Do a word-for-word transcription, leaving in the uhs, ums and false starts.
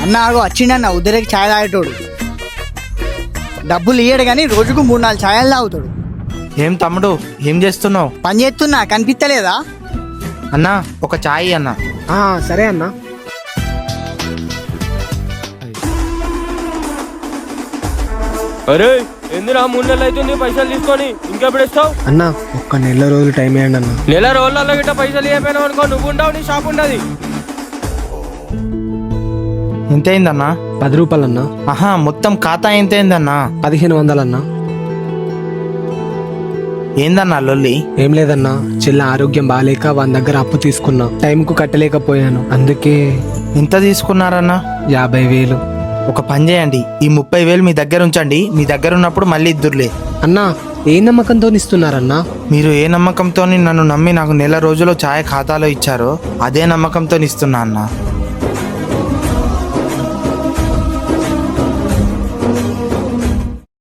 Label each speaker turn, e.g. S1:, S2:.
S1: అన్న ఆగో వచ్చిండన్న ఉదరికి ఛాయ్ తాగేటోడు. డబ్బులు ఇయ్యడు కానీ రోజుకు మూడు నాలుగు ఛాయలు తాగుతాడు.
S2: ఏం తమ్ముడు ఏం చేస్తున్నావు?
S1: పని చేస్తున్నా కనిపిస్తలేదా?
S2: అన్నా ఒక ఛాయ్ అన్న.
S3: సరే అన్న.
S4: అరే ఎందురా మూడు నెలలు అవుతుంది పైసలు తీసుకొని ఇంకెప్పుడు ఇస్తావు?
S3: అన్న ఒక్క నెల రోజులు టైం వేయండి అన్న.
S4: నెల రోజులలో గిట్ట పైసలు ఇవ్వకపోయినావు అనుకో, నువ్వు ఉండవు, నీ షాప్ ఉండదు.
S2: ఎంత అయిందన్నా?
S3: పది రూపాయలు అన్న.
S2: ఆహా మొత్తం ఖాతా ఎంత అయిందన్నా?
S3: పదిహేను వందలన్నా.
S2: ఏందన్నా లొల్లి?
S3: ఏం లేదన్నా, చెల్ల ఆరోగ్యం బాగాలేక వాని దగ్గర అప్పు తీసుకున్నా, టైంకు కట్టలేకపోయాను, అందుకే.
S2: ఎంత తీసుకున్నారన్నా?
S3: యాభై వేలు.
S2: ఒక పని చేయండి, ఈ ముప్పై వేలు మీ దగ్గర ఉంచండి, మీ దగ్గర ఉన్నప్పుడు మళ్ళీ ఇద్దురులే.
S3: అన్నా ఏ నమ్మకంతో ఇస్తున్నారన్నా?
S2: మీరు ఏ నమ్మకంతో నన్ను నమ్మి నాకు నెల రోజులు ఛాయ్ ఖాతాలో ఇచ్చారో అదే నమ్మకంతో ఇస్తున్నా అన్నా.